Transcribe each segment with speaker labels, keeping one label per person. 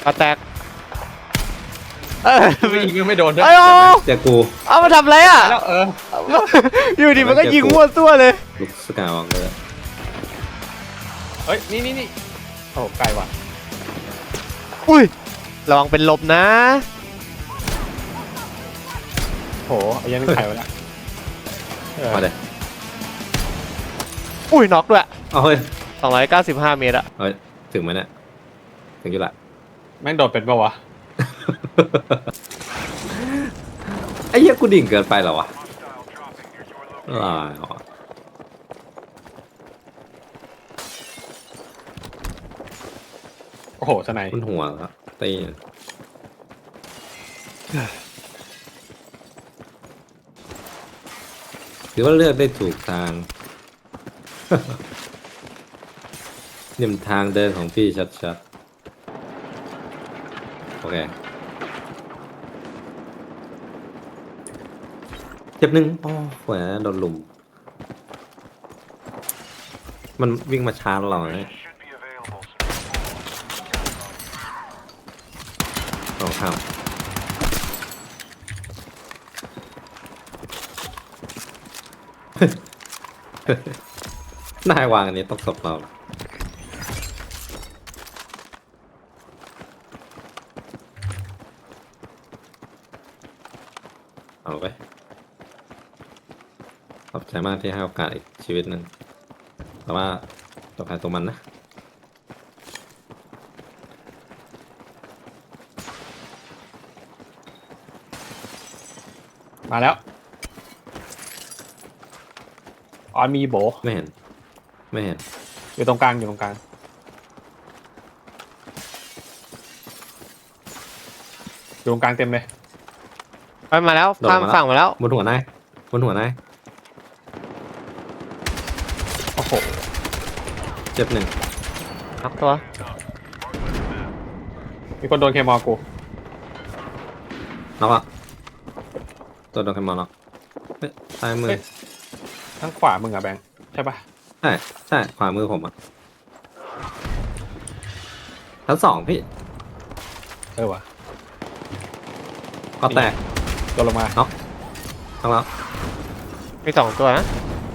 Speaker 1: ก็แตก
Speaker 2: ไม่ยิงยังไม่โดนด้วย
Speaker 1: ไอ้โอ้
Speaker 3: เจอกู
Speaker 1: เอามาทำอะไรอ่ะ
Speaker 2: แล้ว
Speaker 1: อยู่ดีมันก็ยิงมั่วตัวเลย
Speaker 3: ลูกสกาวเลย
Speaker 2: เฮ้ยนี่โอ้ไกลว่ะ
Speaker 1: อุ้ยระวังเป็นลมนะ
Speaker 2: โหไอ้ยันไข่ไปแล้ว
Speaker 3: มาเลย
Speaker 1: อุ้ยน็อกด้วย
Speaker 3: เอาเฮ้ย
Speaker 1: 295 เมตรอะ
Speaker 3: เฮ้ยถึงไหมเนี่ยถึงอยู่ละ
Speaker 2: แม่งโดดเป็นปะวะ
Speaker 3: ไอ้เหี้ยกูดิ่งเกินไปเหรอวะอะไรวะ
Speaker 2: โอ้โหสไน
Speaker 3: มันหัวครับตีหรือว่าเลือกได้ถูกทาง นี่มันทางเดินของพี่ชัดๆโอเคเจ็บหนึ่งอ๋อแหวโดนลุมมันวิ่งมาชาร์จเราเนี่ยสองข้ามนายวางอันนี้ต้องศพเราเอาไปขอบใจมากที่ให้โอกาสอีกชีวิตหนึ่งแต่ว่าตัวใครตัวมันนะ
Speaker 2: มาแล้วออนมีโบ
Speaker 3: ไม่เห็นไม่เห็น
Speaker 2: อยู่ตรงกลางอยู่ตรงกลางอยู่ตรงกลางเต็มเลย
Speaker 1: ไปมาแล้วข้ามฝั่งมาแล้ว
Speaker 3: บนหัวนายบนหัวนาย
Speaker 2: โอ้โห
Speaker 3: เจ็บหนึ่ง
Speaker 1: น็อกตัว
Speaker 2: มีคนโดนเคมอลกู
Speaker 3: น็อกอ่ะตัวโดนใครมาน็อกเฮ้ยซ้ายมือ
Speaker 2: ทั้งขวามึงอะแบงค์ใช่ปะ
Speaker 3: ใช่ใช่ขวามือผมอ่ะทั้งสองพี่
Speaker 2: เออวะ
Speaker 3: ก็แตก
Speaker 2: โดนลงมา
Speaker 3: ทั้งแล้ว
Speaker 1: มี2ตัวนะ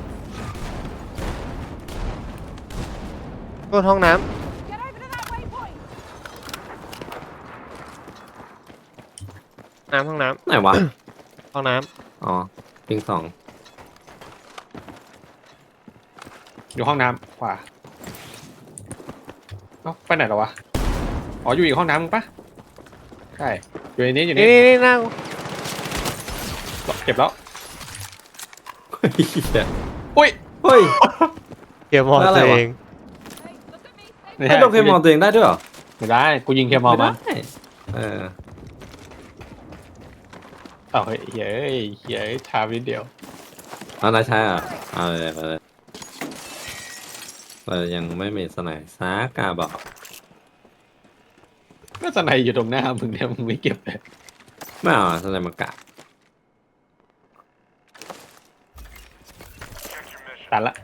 Speaker 1: ตัวห้องน้ำห้องน้
Speaker 3: ไหนวะ
Speaker 1: ำห้องน้
Speaker 3: อ๋อปิงสอง
Speaker 2: อยู่ห้องน้ำขวาเอ้าไปไหนแล้ววะอ๋ออยู่อีกห้องน้ำมึงปะใช่อยู่ในนี้อยู่
Speaker 1: ำ
Speaker 2: นี่
Speaker 1: นี่นั่ง
Speaker 2: เก็บแล้ว
Speaker 3: เฮ้ย
Speaker 2: อุ้ย
Speaker 3: เฮ้ย
Speaker 1: เกียร์มอ
Speaker 3: แล้วอะไร
Speaker 1: ตัว
Speaker 3: วะ
Speaker 1: เอง
Speaker 2: ไม่
Speaker 3: ไอ้โดนเคมอลตัวเองได้ด้วยเหรอ
Speaker 2: ไม่ได้กูยิงเคมอล
Speaker 3: ไม่
Speaker 2: มา
Speaker 3: ได้เออ
Speaker 2: เอาเฮ้ยเฮ้ยเฮ้ยทาวิดเดียว
Speaker 3: เอานายใช่อ่ะเอาเลยเอาเลยเรายังไม่มีสไนด์ซากาบอก
Speaker 2: ก็สไนอยู่ตรงหน้ามึงเนี่ยมึงไม่เก็บเลย
Speaker 3: ไม่เอาสไนด์มากะ
Speaker 2: ตัดละ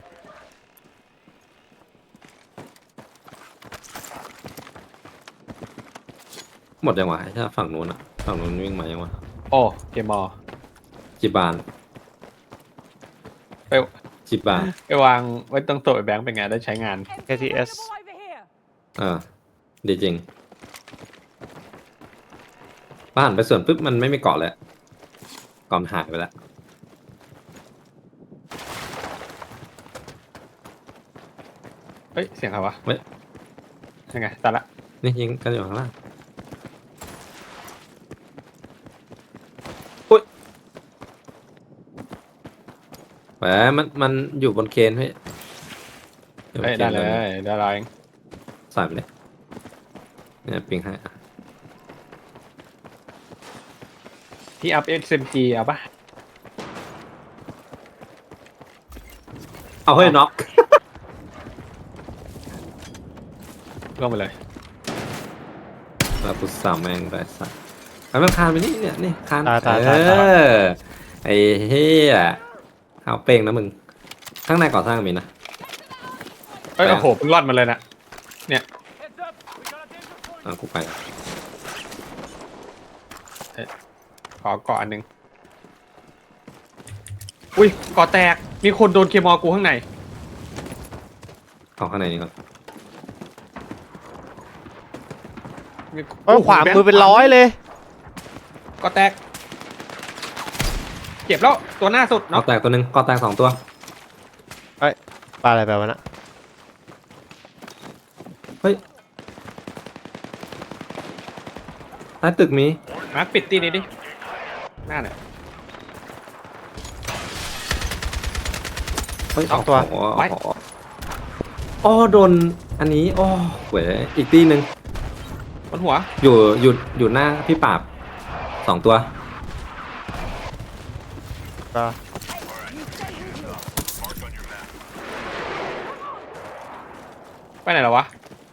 Speaker 3: หมดยังวะใช่ฝั่งนู้นอ่ะฝั่งนู้นวิ่งมายังวะ
Speaker 2: โอ้เคมอล
Speaker 3: จิบาน
Speaker 2: ไป
Speaker 3: จิบาน
Speaker 2: ไปวางไว้ตรงโต๊ะไอ้แบงค์เป็นไงได้ใช้งาน
Speaker 1: KTS
Speaker 3: ดีจริงบ้านไปส่วนปุ๊บมันไม่มีเกาะเลยเกาะมันหายไปแล้ว
Speaker 2: เฮ้ยเสียงใครวะ
Speaker 3: เฮ้ย
Speaker 2: ยังไงตัดละ
Speaker 3: นี่ยิงกันอยู่ข้างล่างอุ้ยแหมมันอยู่บนเคนพี่อยู่บ
Speaker 2: เฮ้
Speaker 3: น
Speaker 2: ย
Speaker 3: ค
Speaker 2: ได้
Speaker 3: น
Speaker 2: เลยได้เลย
Speaker 3: ใส่ไปเลยเนี่ยปิงให้อ่ะ
Speaker 2: พี่อัพ SMG เอาปะ
Speaker 3: เอาเฮ้ยน็อก
Speaker 2: ลงไปเลย
Speaker 3: แล้วพุทธาแม่งได้สักเอามันคานไปนี่เนี่ยนี่คาน
Speaker 1: ตาย
Speaker 3: ไอ้เฮียเอาเป้งนะมึงข้างในก่อสร้างมีนะ
Speaker 2: เอ้ยโอ้โหเพิ่งรอดมาเลยนะเนี่ย
Speaker 3: กูไป
Speaker 2: ขอเกาะอันหนึ่งอุ้ยเกาะแตกมีคนโดนเคมอลกูข้างใน
Speaker 3: เอาข้างในนี้ก่อน
Speaker 2: มี
Speaker 1: ขวามือเป็นร้อยเลย
Speaker 2: เกาะแตกเก็บแล้วตัวหน้าสุด
Speaker 3: ก็
Speaker 2: เนาะ
Speaker 3: แตกตัวหนึ่งก็แตก2 ตัว
Speaker 1: ปลาอะไรไปวะนะ
Speaker 3: เฮ้ยใต้ตึกมี
Speaker 2: มาร์คปิดตีนี้ดิหน้าเนี่ย
Speaker 3: เฮ้ย
Speaker 1: สองตัว
Speaker 2: ไว้
Speaker 3: อ๋อโดนอันนี้อ๋อเว้ยอีกตีหนึ่ง
Speaker 2: บนหัว
Speaker 3: อยู่หน้าพี่ปราบ2 ตัว
Speaker 1: ก็
Speaker 2: ไปไหนแล้ววะ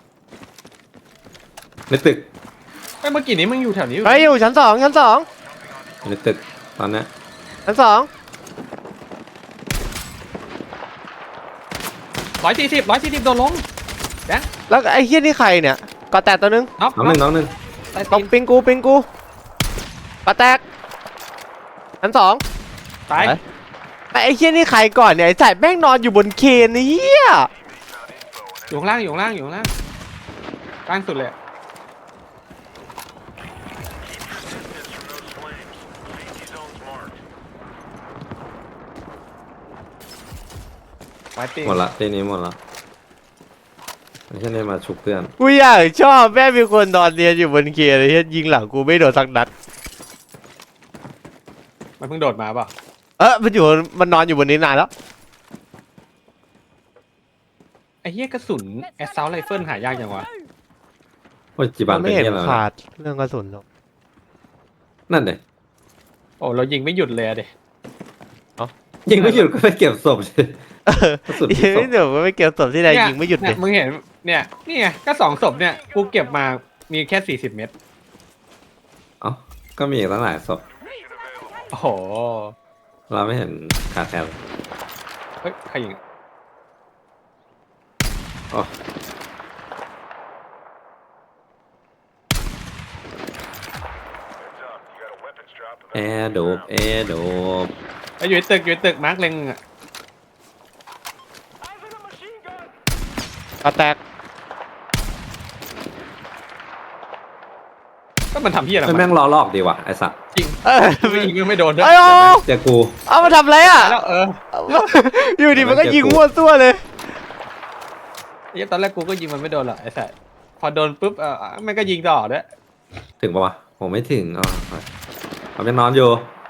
Speaker 3: ในตึก
Speaker 2: เมื่อกี้นี้มึงอยู่แถวนี้
Speaker 1: เฮ้ยอยู่ชั้น 2ชั้น 2
Speaker 3: ในตึกตอนเนี้ย
Speaker 1: ชั้น
Speaker 2: 140โดนลงแบงค์
Speaker 1: 2แล้วไอ้เฮียนี่ใครเนี่ยกอแตกตัวนึง
Speaker 2: น็อก
Speaker 3: น้องหนึ่ง
Speaker 2: ใต้
Speaker 1: ต
Speaker 2: ตี
Speaker 1: บ
Speaker 2: น
Speaker 1: ปิงกูกอแตกชั้น 2
Speaker 2: ตาย
Speaker 1: แต่ไอ้เฮียนี่ใครก่อนเนี่ยไอ้สายแม่งนอนอยู่บนเคนเฮีย
Speaker 2: อยู่ข้างล่างอยู่ข้างล่างอยู่ข้างล่างกลางสุดเลยอะไว้ตี
Speaker 3: หมดละตีนี้หมดละไม่ใช่เนี่ยมาฉุกเพื่อน
Speaker 1: กูอยากชอบแม่งมีคนนอนเรียนอยู่บนเคนไอ้เฮียยิงหลังกูไม่โดนสักนัด
Speaker 2: มันเพิ่งโดดมาเปล่ะ
Speaker 1: มันนอนอยู่บนนี้นานแล้ว
Speaker 2: ไอ้เหี้ยกระสุนแอสซาวไรเฟิลหายากจังวะ
Speaker 3: โอ้ยจีบั
Speaker 1: มัน น
Speaker 3: เป็
Speaker 1: ไม่
Speaker 3: น
Speaker 1: เห็น
Speaker 3: เงี้ยแล้ว
Speaker 1: ขาดเรื่องกระสุนหรอก
Speaker 3: นั่นเลย
Speaker 2: โอ้เรายิงไม่หยุดเลยอะดิ
Speaker 3: ยิงไม่หยุดก็ไปเก็บศพสิ กระสุนที่ศพ
Speaker 1: เดี๋ยวไม่เกี่ยวศพที่ใดยิงไม่หยุดเล
Speaker 2: เนี่ย ยมึงเห็นเนี่ยนี่ไงก็2 ศพเนี่ยกูเก็บมามีแค่40 เม็ด
Speaker 3: เอ้าก็มีอีกตั้งหลายศพ
Speaker 2: โอ้โห
Speaker 3: เราไม่เห็นขาดแคลน
Speaker 2: เฮ้ยใครยิง
Speaker 3: อ๋อ แอร์โดบแอร์โดบ
Speaker 2: ไอ้อยู่ในตึกมาร์คเล็งอะ
Speaker 1: กอแตก
Speaker 2: ก็มันทำเหี้ยอะไร
Speaker 3: ไม่แม่งล้อลอกดีว่ะไอสัตว์
Speaker 2: ยิง
Speaker 1: เออ
Speaker 2: ไม่ยิงก็ไม่โดนด้วย
Speaker 1: ไอ้โอ้
Speaker 3: เจอกู
Speaker 1: เอามาทำอะไรอ่ะ
Speaker 2: แล้ว
Speaker 1: อยู่ดีมันก็ยิงมั่วซั่วเลย
Speaker 2: ไอ้ตอนแรกกูก็ยิงมันไม่โดนหรอกไอ้สัสพอโดนปุ๊บมันก็ยิงต่อด้วย
Speaker 3: ถึงปะวะผมไม่ถึงอ๋อผมยังนอนอยู่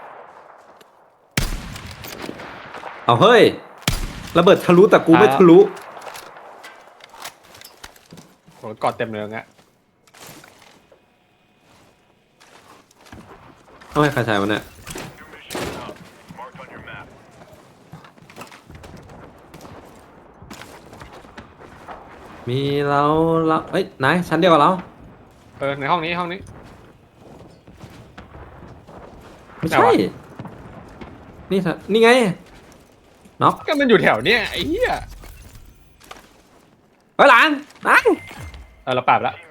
Speaker 3: เอาเฮ้ยระเบิดทะลุแต่กูไม่ทะลุ
Speaker 2: โหกอดเต็มเลยงั้น
Speaker 3: ทำไมใครใช้มันเนี่ยมีเราเอ้ยนายชั้นเดียวกับเรา
Speaker 2: ในห้องนี้
Speaker 3: ไม่
Speaker 2: ไหน
Speaker 3: ใช่
Speaker 2: วะ
Speaker 3: นี่ไงน็อก
Speaker 2: ก็มันอยู่แถวเนี้ยไอ้เหี้ย
Speaker 3: เฮ้ยหลานนาย
Speaker 2: เราปราบแล้ว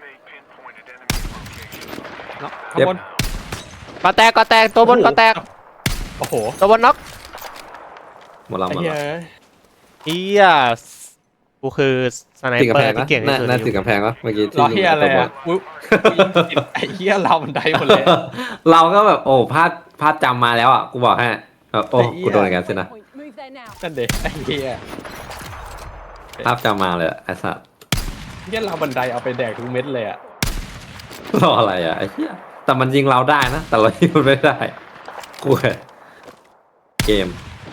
Speaker 2: เนาะข้างบน
Speaker 1: กอแตกตัวบนกอแตก
Speaker 2: โอ้โห
Speaker 1: ตัวบนน็อก
Speaker 3: หมดเรา
Speaker 2: ไอ้
Speaker 3: หมด
Speaker 2: เหี้ย
Speaker 3: เรา
Speaker 1: เฮียกูคือสไน
Speaker 3: ติด
Speaker 1: เป
Speaker 3: กำ
Speaker 1: อ
Speaker 3: แพง
Speaker 1: ร์ที่
Speaker 3: นะ
Speaker 1: เก่งที่สุด
Speaker 3: น่าติดกำแพงวะเมื่อกี้
Speaker 2: รอเหี้ยอะไร
Speaker 3: ตัวบ
Speaker 2: อ่ะ
Speaker 3: น
Speaker 2: กูยิงติดไอ้เหี้ยเราบันไดหมดเลย
Speaker 3: เราก็แบบโอ้พลาดจำมาแล้วอ่ะกูบอกให้โอ้
Speaker 2: ไอ้เหี้ย
Speaker 3: กูโดนอย่างนั้นสินะ
Speaker 4: Move there now.
Speaker 2: นั่นเด็ไอ้เหี้ย
Speaker 3: ภาพจำมาเลยอะไอ้สัตว์
Speaker 2: เหี้ยเราบันไดเอาไปแดกทุกเม็ดเลยอ่ะ
Speaker 3: รออะไรอ่ะไอ้เหี้ยแต่มันยิงเราได้นะแต่เรายิงมันไม่ได้กูแค่เกม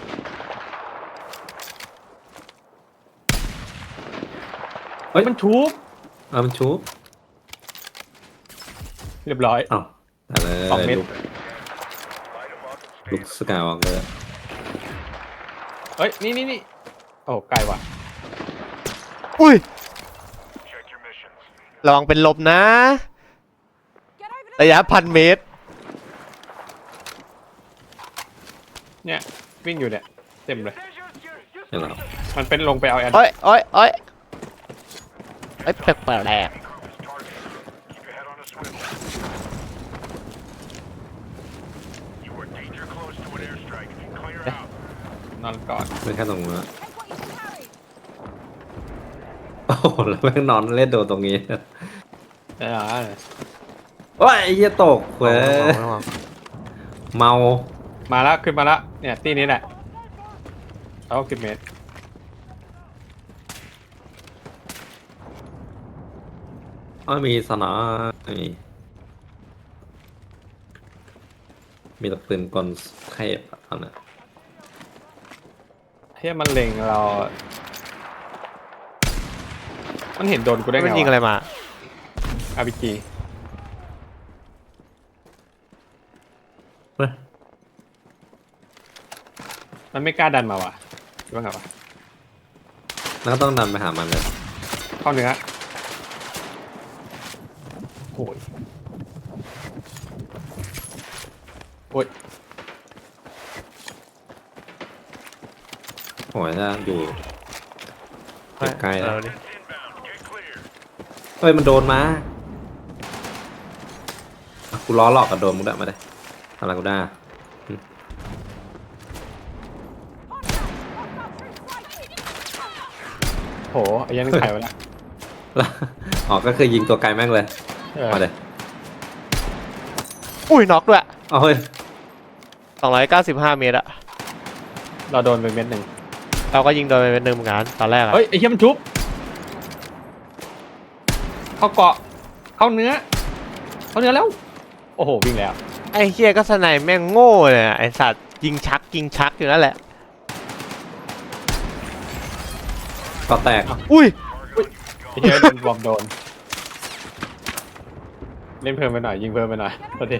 Speaker 3: เฮ้ย
Speaker 2: มันชุบ
Speaker 3: มันชู
Speaker 2: เรียบร้อย
Speaker 3: อ้าวอะไร
Speaker 2: สองเม็ด
Speaker 3: ลูกสกายวอล์กเลย
Speaker 2: เฮ้ยนี่โอ้ไกลว่ะ
Speaker 1: อุ้ยระวังเป็นลมนะ
Speaker 4: Get over to
Speaker 1: ระยะ1,000 เมตร
Speaker 2: เนี่ยวิ่งอยู่เนี่ยเต็มเลย
Speaker 3: เห็นแล้ว
Speaker 2: มันเป็นลงไปเอาแอด
Speaker 1: โอ้ยแปลก
Speaker 5: You are danger close to an airstrike. Clear out.
Speaker 2: นอนก่อน
Speaker 3: ไม่แค่ตรงนู้นอะ
Speaker 4: Take what you can carry.
Speaker 3: โอ้โหแล้วแม่งนอนเล่นโดนตรงนี้
Speaker 2: ได้เหรอ
Speaker 3: ว้ายไอ้เหี้ยตกเว้ย
Speaker 1: ระวัง
Speaker 3: เมา
Speaker 2: มาแล้วขึ้นมาแล้วเนี่ยตีนี้แหละเอา10 เมตร
Speaker 3: มีสนามมีแต่ปืนกลเทพอะตอนนั้น
Speaker 2: เฮียมันเล็งเรา มันเห็นโดนกูได้ไง
Speaker 1: มันยิงอะไรมา
Speaker 2: RPG
Speaker 3: เฮ้ย
Speaker 2: มันไม่กล้าดันมาว่ะคิดว่าไงวะ
Speaker 3: แล้วก็ต้องดันไปหามันเลย
Speaker 2: เข้าเนื้อโอ้ยโอ้ย
Speaker 3: โอ้ยถ้าอยู่ใกล้ๆแล้ว
Speaker 5: Inbound. Get clear.
Speaker 3: เฮ้ยมันโดนมาอ่ะกูล้อหลอกกับโดนมึงได้มาได้อะไรกูได้
Speaker 2: โหไอ้ยันไข่ไปแล้ว
Speaker 3: แล้วอ๋อก็คือยิงตัวไกลแม่งเลย
Speaker 2: เออ
Speaker 3: มาเลย
Speaker 1: อุ้ยน็อกด้วย
Speaker 3: เอาเฮ้ย
Speaker 1: 295 เมตรอะ
Speaker 2: เราโดนไปเม็ดหนึ่ง
Speaker 1: เราก็ยิงโดนไปเป็นหนึ่งเหมือนกันตอนแรกอะ
Speaker 2: เฮ้ยไอ้เหี้ยมันชุบ เข้าเกาะ เข้าเนื้อ เข้าเนื้อแล้ว โอ้โหวิ่งแล้ว
Speaker 1: ไอ้เฮียก็สไนแม่งโง่เลยอะไอ้สัตว์ยิงชักอยู่นั่นแหละ
Speaker 3: ก็แตก
Speaker 1: อุ้ย
Speaker 2: ไอ้เหี้ยโดนบอมโดน เล่นเพิ่มไปหน่อยยิงเพิ่มไปหน่อยโทษที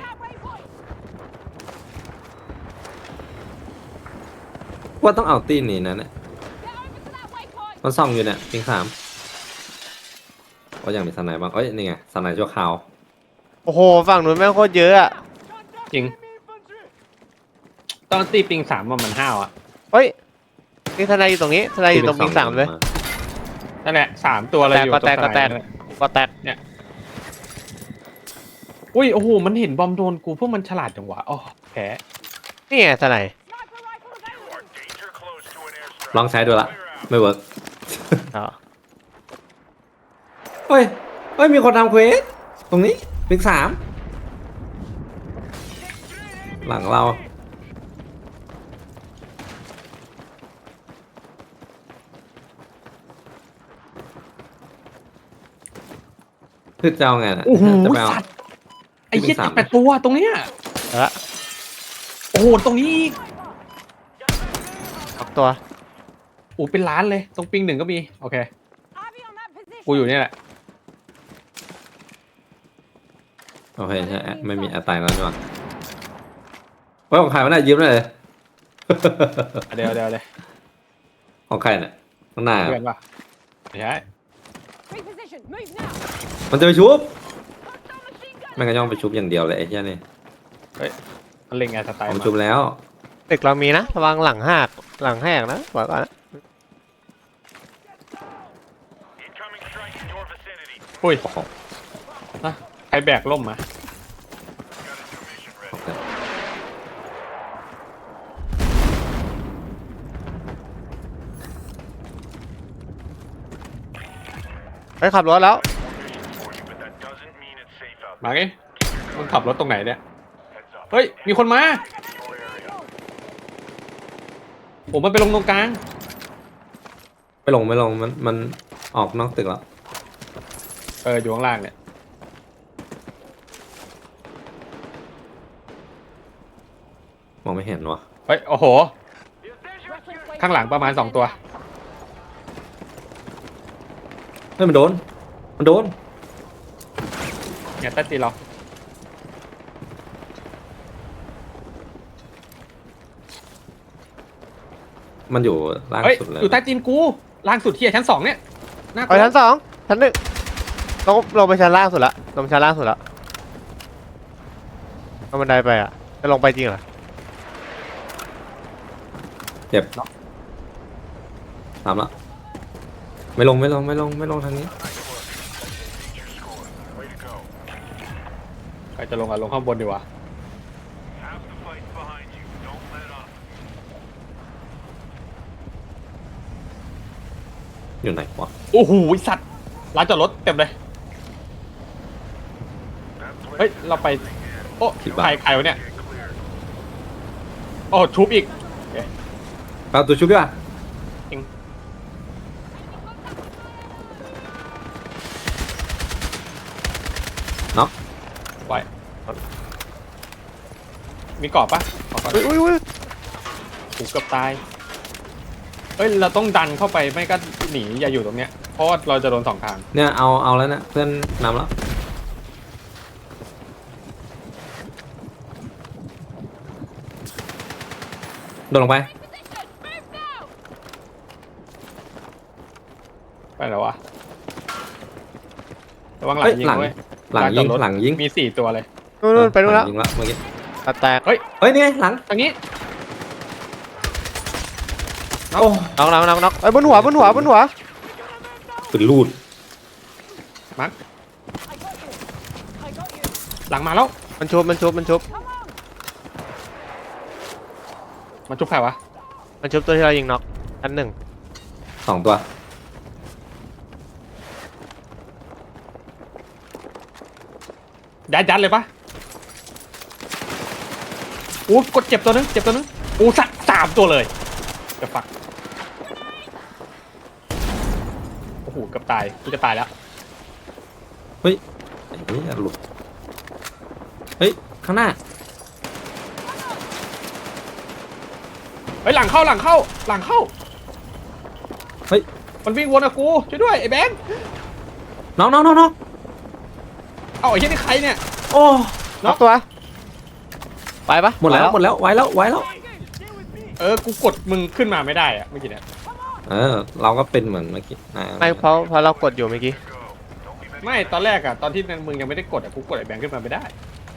Speaker 3: ว่าต้องเอาตีนนี้นะเนี่ย
Speaker 4: Get over to that waypoint.
Speaker 3: มันส่องอยู่เนี่ยปิง3ว่ายังมีสไนบ้างเอ้ยนี่ไงสไนชั่วคราว
Speaker 1: โอ้โหฝั่งนู้นแม่งโคตรเยอะอะ
Speaker 2: จริง ตอนตีปิง3มันห้าวอ่ะ
Speaker 1: เฮ้ยนี่ทนายอยู่ตรงนี้ทนายอยู่ตรงปิงสามเลย
Speaker 2: นั่นแหละ3 ตัวอะไรอยู่
Speaker 1: ก็แตก
Speaker 2: รง
Speaker 1: ก็แตก
Speaker 2: สนามนั่นหละ
Speaker 1: ก็แตก
Speaker 2: อุ้ยโอ้โหมันเห็นบอมโดนกูพวกมันฉลาดจังหวะอ๋อแพ้
Speaker 1: นี่ไงทนาย
Speaker 4: Sniper rifle available.
Speaker 5: Danger close to an airstrike.
Speaker 3: ลองใช้ดูละ
Speaker 5: Clear out.
Speaker 3: ไม่เวิร์ก
Speaker 1: อ๋อ
Speaker 3: เฮ้ยเฮ้ยมีคนทำเควสตรงนี้ปิง3หลังเราคือจะเอาไงน่ะ
Speaker 2: โอ้โห
Speaker 3: จะไปเอา
Speaker 2: สัตว์ไอ้เหี้ย
Speaker 3: ปิงสาม
Speaker 2: 8 ตัวตรงเนี้ย
Speaker 1: เอาละ
Speaker 2: โอ้โหตรงนี้อีก
Speaker 1: ออกตัว
Speaker 2: โอ้เป็นล้านเลย ตรงปิง1ก็มี โอเค
Speaker 4: Ivy on that position.
Speaker 2: กูอยู่เนี่ยแหละ
Speaker 3: โอเคใช่ไม่มีอัตายแล้วนี่หว่าเฮ้ยของใครวะเนี่ยยืมเลย
Speaker 2: เดี๋ยวเลย
Speaker 3: ของใครเนี่ยข้างหน้า
Speaker 2: เพื่อนป่ะไม่ใช่
Speaker 4: Reposition. Move now.
Speaker 3: มันจะไปชุบแม่งก็ย่องไปชุบอย่างเดียวเลยไอ้เหี้ยนี่
Speaker 2: มันเล็งไงสไตล์
Speaker 3: ผม
Speaker 2: มา
Speaker 3: ชุบแล้ว
Speaker 1: ตึกเรามีนะระวังหลังแหกนะบอกก่อนนะ
Speaker 5: Incoming strike in your vicinity.
Speaker 2: อุ้ยฮะใครแบกล่มมา
Speaker 5: Got a new mission ready.
Speaker 1: ไปขับรถแล้ว
Speaker 5: Mission for you, but that doesn't mean it's safe out
Speaker 2: มาไงมึงขับรถตรงไหนเนี่ย
Speaker 5: there. Heads up.
Speaker 2: เฮ้ย มีคนมา
Speaker 5: Your area.
Speaker 2: ผมมันไปลงตรงกลาง
Speaker 3: ไม่ลงมันออกนอกตึกแล้ว
Speaker 2: อยู่ข้างล่างเนี่ย
Speaker 3: มองไม่เห็นวะ
Speaker 2: เฮ้ย โอ้โห
Speaker 4: Reference
Speaker 2: ข้างหลังประมาณ 2 ตัว
Speaker 3: เฮ้ยมันโดน
Speaker 2: เนี่ยใต้ตีนเรา
Speaker 3: มันอยู่ล่าง
Speaker 2: เฮ้ย
Speaker 3: สุดเลย
Speaker 2: อยู่ใต้ตีนกู ล่างสุดที่ชั้น 2 เนี่ยน่าก
Speaker 1: ไป
Speaker 2: ลัว
Speaker 1: ชั้น2ชั้น 1ลงไปชั้นล่างสุดละลงไปชั้นล่างสุดละเอาบันไดไปอ่ะจะลงไปจริงเหรอ
Speaker 3: เจ็บตามละไม่ลงทางนี้
Speaker 5: Your score. Way to go.
Speaker 2: ใครจะลงอ่ะลงข้างบนดีกว่า
Speaker 5: Half the fight's behind you. Don't let up.
Speaker 3: อยู่ไหนวะ
Speaker 2: โอ้โหสัตว์ร้านจอดรถเต็มเลย
Speaker 5: That
Speaker 2: เฮ้ย
Speaker 5: place
Speaker 2: เราไป โอ้
Speaker 3: คิดว่า
Speaker 2: ใครวะเนี่ย
Speaker 5: get clear.
Speaker 2: โอ้ทุบอีก
Speaker 3: เอาตัวชุบดีกว่า
Speaker 2: จริง
Speaker 3: เนาะ
Speaker 2: ไว้มีกรอบปะขอก่อน
Speaker 1: อุ้ย
Speaker 2: ถูกเกือบตายเฮ้ย เราต้องดันเข้าไปไม่ก็หนีอย่าอยู่ตรงเนี้ย เพราะว่าเราจะโดนสองทาง
Speaker 3: เนี่ยเอาแล้วนะเพื่อนนำแล้วโดดลงไป
Speaker 2: ไปแล้ววะระวังหลัง
Speaker 3: เฮ้ย
Speaker 2: ยิง
Speaker 3: หลัง
Speaker 2: ด้วย
Speaker 3: หลัง
Speaker 2: ร้านจ
Speaker 3: ยิ
Speaker 2: อง ดรถ
Speaker 3: หลังยิง
Speaker 2: มี4ตัวเลย
Speaker 1: นู่นไปนู่นแล้ว
Speaker 3: ยิงแล้วเมื่อกี้
Speaker 1: ปะแตก
Speaker 2: เฮ้ย
Speaker 3: เฮ้ยนี่ไงหลัง
Speaker 2: ทางนี้
Speaker 3: โอ้
Speaker 1: น็อกไอ้ยบนหัว
Speaker 3: ปืนลูด
Speaker 2: มัก
Speaker 4: I got you. I got you.
Speaker 2: หลังมาแล้ว
Speaker 1: มันชุบ
Speaker 4: Come on.
Speaker 2: มันชุบใครวะ
Speaker 1: มันชุบตัวที่เรายิงน็อกอันหนึ่ง
Speaker 3: 2 ตัว
Speaker 2: ยัดเลยปะอู้กดเจ็บตัวนึงอู้สามตัวเลยจะฟักโอ้โหเกือบตายกูจะตายแล้ว
Speaker 3: เฮ้ยไอ้นี่หลุดเฮ้ยข้างหน้า
Speaker 2: เฮ้ยหลังเข้า
Speaker 3: เฮ้ย
Speaker 2: มันวิ่งวนกับกูช่วยด้วยไอ้แบงค์
Speaker 3: น้อง
Speaker 2: เอาไอ้เหี้ยนี่ใครเนี่ย
Speaker 3: โอ้
Speaker 1: น็อกตัว ไปปะ
Speaker 3: หมดแล้วไว้แล้ว
Speaker 2: กูกดมึงขึ้นมาไม่ได้อะเมื่อกี้เนี่ย
Speaker 3: เราก็เป็นเหมือนเมื่อกี้นะ
Speaker 1: ไม่เพราะเรากดอยู่เมื่อกี้
Speaker 2: ไม่ตอนแรกอะตอนที่มึงยังไม่ได้กดอะกูกดไอ้แบงค์ขึ้นมาไม่ได้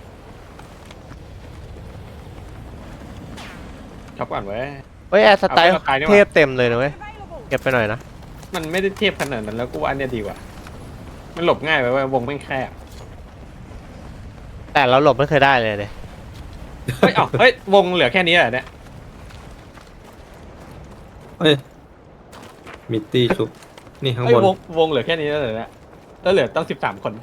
Speaker 2: ชอบก่อนเว้ย
Speaker 1: เฮ้ยแอร์สไตล์
Speaker 2: เอาไปสไตล์นี่หว่า
Speaker 1: เทพเต็มเลยนะเว้ย
Speaker 4: Available.
Speaker 1: เก็บไปหน่อยนะ
Speaker 2: มันไม่ได้เทียบขนาดนั้นแล้วกูว่าอันเนี้ยดีกว่ามันหลบง่ายไปเว้ยวงไม่แคบ
Speaker 1: แต่เราหลบไม่เคยได้เลยเลย
Speaker 2: เฮ้ยวงเหลือแค่นี้เหรอเนี่ย
Speaker 3: เฮ้ยมิตตี้ชุบนี่ข้าง
Speaker 2: เฮ้ย
Speaker 3: บน
Speaker 2: วงเหลือแค่นี้แล้วเหรอเนี่ยแล้วเหลือตั้ง13 คน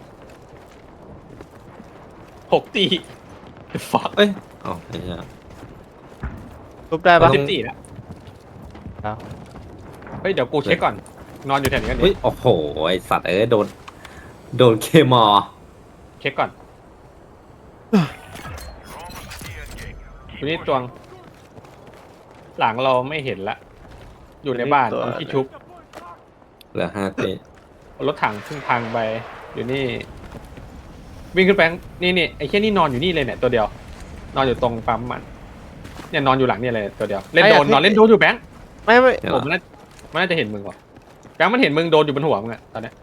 Speaker 2: 6 ตีฟัก
Speaker 3: เอ้ยอ๋อไอ้เหี้ย
Speaker 1: ชุบได้ปะ
Speaker 3: ต้
Speaker 2: สิ
Speaker 3: อง
Speaker 2: บสี่แล้ว
Speaker 1: ครับ
Speaker 2: เฮ้ยเดี๋ยวกูเช็คก่อนนอนอยู่แถวนี้กัน
Speaker 3: เฮ้ย
Speaker 2: ดิ
Speaker 3: โอ้โหไอสัตว์โดนเคมอ
Speaker 2: เช็คก่อน
Speaker 5: You're almost at the end game.
Speaker 2: ตัวนี้ตวง หลังเราไม่เห็นละ อยู่ในบ้านตรงที่ชุบ
Speaker 3: เหลือ5 ตี
Speaker 2: รถถังเพิ่งพังไปอยู่นี่ วิ่งขึ้นไปนี่ไอ้แค่นี่นอนอยู่นี่เลยเนี่ยตัวเดียว นอนอยู่ตรงปั๊มมันเนี่ยนอนอยู่หลังเนี่ยเลยตัวเดียวเล่นโดนนอนเล่นโดนอยู่แบงค์
Speaker 1: ไม่
Speaker 2: ผมมันน่าจะเห็นมึงว่ะแบงค์มันเห็นมึงโดนอยู่บนหัวมึงอะตอนเนี้ย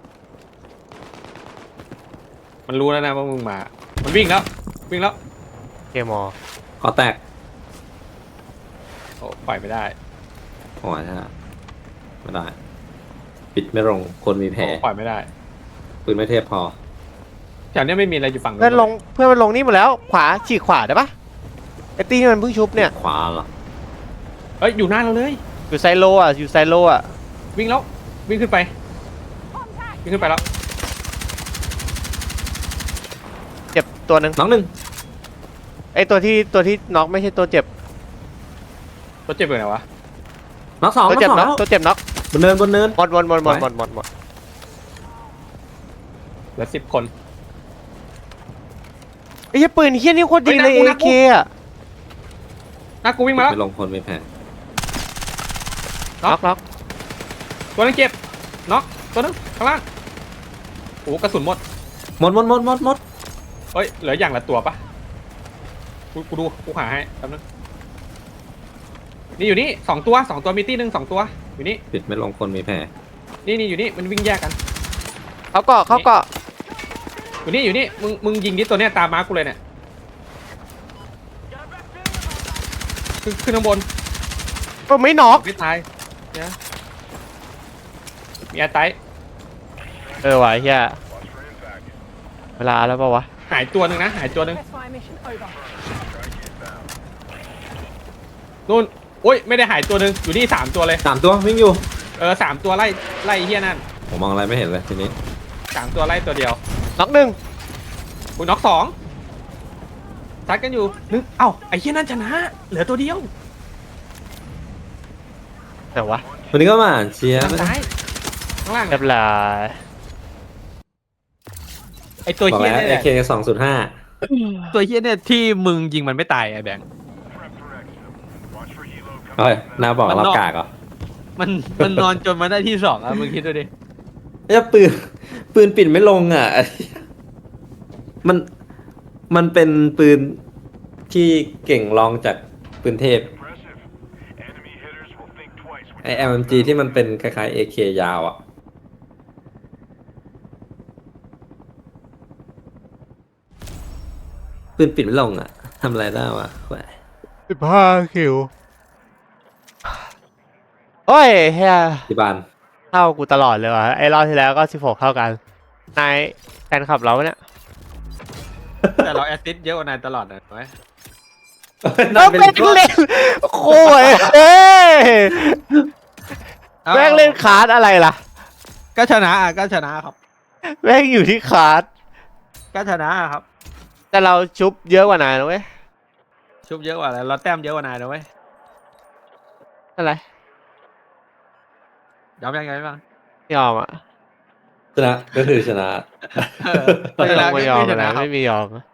Speaker 2: มันรู้แล้วนะว่ามึงมา มันวิ่งแล้ว
Speaker 1: เกมอ
Speaker 3: ขอแตก
Speaker 2: โอ้ปล่อยไม่ได้
Speaker 3: โอ้ยใช่ไม่ได้ ปิดไม่ลงคนมีแผล
Speaker 2: โอ้ปล่อยไม่ได้
Speaker 3: ปืนไม่เทพพอ
Speaker 2: แถวเนี้ยไม่มีอะไรอยู่ฝั่ง
Speaker 1: เพื่อนมันลงนี่หมดแล้ว ขวาฉีกขวาได้ปะไอ้ตีนี่มันเพิ่งชุบเนี่ย
Speaker 3: ขวาเหรอ
Speaker 2: เอ้ยอยู่หน้าเราเลย
Speaker 1: อยู่ไซโลอ่ะ
Speaker 2: วิ่งแล้ววิ่งขึ้นไป
Speaker 4: Contact.
Speaker 2: วิ่งขึ้นไปแล้ว
Speaker 1: เจ็บตัวหนึ่ง
Speaker 3: น้องหนึ่ง
Speaker 1: ไอ้ตัวที่น็อกไม่ใช่ตัวเจ็บ
Speaker 2: ตัวเจ็บอยู่ไหนวะ
Speaker 3: น้องสอง
Speaker 1: ตัวเจ็บ
Speaker 3: น้
Speaker 1: น็
Speaker 3: อ
Speaker 1: อง ก
Speaker 3: สอง
Speaker 1: ตัวเจ็บน็อก
Speaker 3: บนเนิน
Speaker 1: หมด
Speaker 2: เหลือ10 คน
Speaker 1: ไอ้เหี้ยปืนเหี้ยนี่โคตรดีเลย
Speaker 2: เฮ้ยน่า
Speaker 1: AK อ่ะ
Speaker 2: หน้ากูวิ่งมาแล้ว
Speaker 3: ไม่ลงคนมีแผล
Speaker 1: น็อก
Speaker 2: ตัวนึงเจ็บน็อกตัวนึงข้างล่างโอ้กระสุนหมด
Speaker 3: หมด
Speaker 2: เฮ้ยเหลืออย่างละตัวปะกูดูกูหาให้แป๊บนึงนี่อยู่นี่2 ตัวมีตี้หนึ่ง2 ตัวอยู่นี่
Speaker 3: ปิดไม่ลงคนมีแผล
Speaker 2: นี่อยู่นี่มันวิ่งแยกกัน
Speaker 1: เขาเกาะ
Speaker 2: อยู่นี่มึงยิงดิตัวเนี้ยตามมาร์คกูเลยเนี่ยขึ้นข้างบน
Speaker 1: ก็ไม่น็อก
Speaker 2: ไม่ตายเนี่ยมีแอร์ไต
Speaker 1: ว่ะไอ้เหี้ย
Speaker 5: Watch for impact.
Speaker 1: เวลาแล้วปะวะ
Speaker 2: 5 หายตัวหนึ่งนะหายตัวหนึ่ง
Speaker 4: Test fire mission over.
Speaker 2: นู่นโอ้ยไม่ได้หายตัวหนึ่งอยู่นี่3 ตัวเลย
Speaker 3: 3 ตัววิ่งอยู่
Speaker 2: 3 ตัวไล่ไล่ไอ้เฮียนั่น
Speaker 3: ผมมองอะไรไม่เห็นเลยทีนี้
Speaker 2: 3 ตัวไล่ตัวเดียว
Speaker 1: น็อกหนึ่ง
Speaker 2: คุณน็อก2ซัดกันอยู่นึกเอ้าไอ้เฮียนั่นชนะ เหลือตัวเดียว
Speaker 1: แต่วะ
Speaker 3: วันนี้ก็มาอ่านเชียร์
Speaker 2: ทางซ้ายข้างล่าง
Speaker 1: เรียบร้อย
Speaker 2: ไอ้ตัว
Speaker 3: บอก
Speaker 2: เฮีย
Speaker 3: แล้ว
Speaker 2: เนี่ย
Speaker 3: AK 2.5
Speaker 2: ตัวเฮียเนี่ยที่มึงยิงมันไม่ตายไอ้แบงค์
Speaker 5: Prep for exfil. Watch for helo
Speaker 3: เฮ้ย
Speaker 5: coming.
Speaker 3: นาบอก
Speaker 2: มัน
Speaker 3: เรา
Speaker 2: นอก
Speaker 3: กากเหรอ
Speaker 2: มันนอนจนมาได้ที่2อ่ะมึงคิดดูดิ
Speaker 3: ไอ้ปืนปิดไม่ลงอ่ะ มันเป็นปืนที่เก่งรองจากปืนเทพ
Speaker 5: Impressive. Enemy hitters will think twice when
Speaker 3: ไอ MMG ที่มันเป็นคล้ายๆ AK ยาวอ่ะ ปืนปิดไม่ลงอ่ะทำอะไรได้วะแหว
Speaker 1: 15 คิวโอ้ยเฮีย
Speaker 3: ที่บ้าน
Speaker 1: เท่ากูตลอดเลยว่ะไอ้รอบที่แล้วก็16เท่ากันนายแฟนขับเราเนี่ย
Speaker 2: แต่เราแอสซิสต์เยอะกว่านายตลอดนะไหม
Speaker 1: เออแม่งเล่นโค้ยเอ้ยแม่งเล่นคาร์ดอะไรล่ะ
Speaker 2: ก็ชนะอ่ะก็ชนะครับ
Speaker 1: แม่งอยู่ที่คาร์ด
Speaker 2: ก็ชนะครับ
Speaker 1: แต่เราชุบเยอะกว่านายนะเว้ย
Speaker 2: ชุบเยอะกว่าแล้วเราแต้มเยอะกว่านายนะเว้ย
Speaker 1: อะไร
Speaker 2: ยอมยังไงบ้าง
Speaker 1: ไม่ยอมอ่ะ
Speaker 3: ชนะก็คือชนะ
Speaker 2: เออ
Speaker 1: ไม่ยอม
Speaker 2: ก็
Speaker 1: ไม่ยอม
Speaker 2: ช
Speaker 1: อะไร
Speaker 2: นะครับ
Speaker 1: ไม่มียอมอะ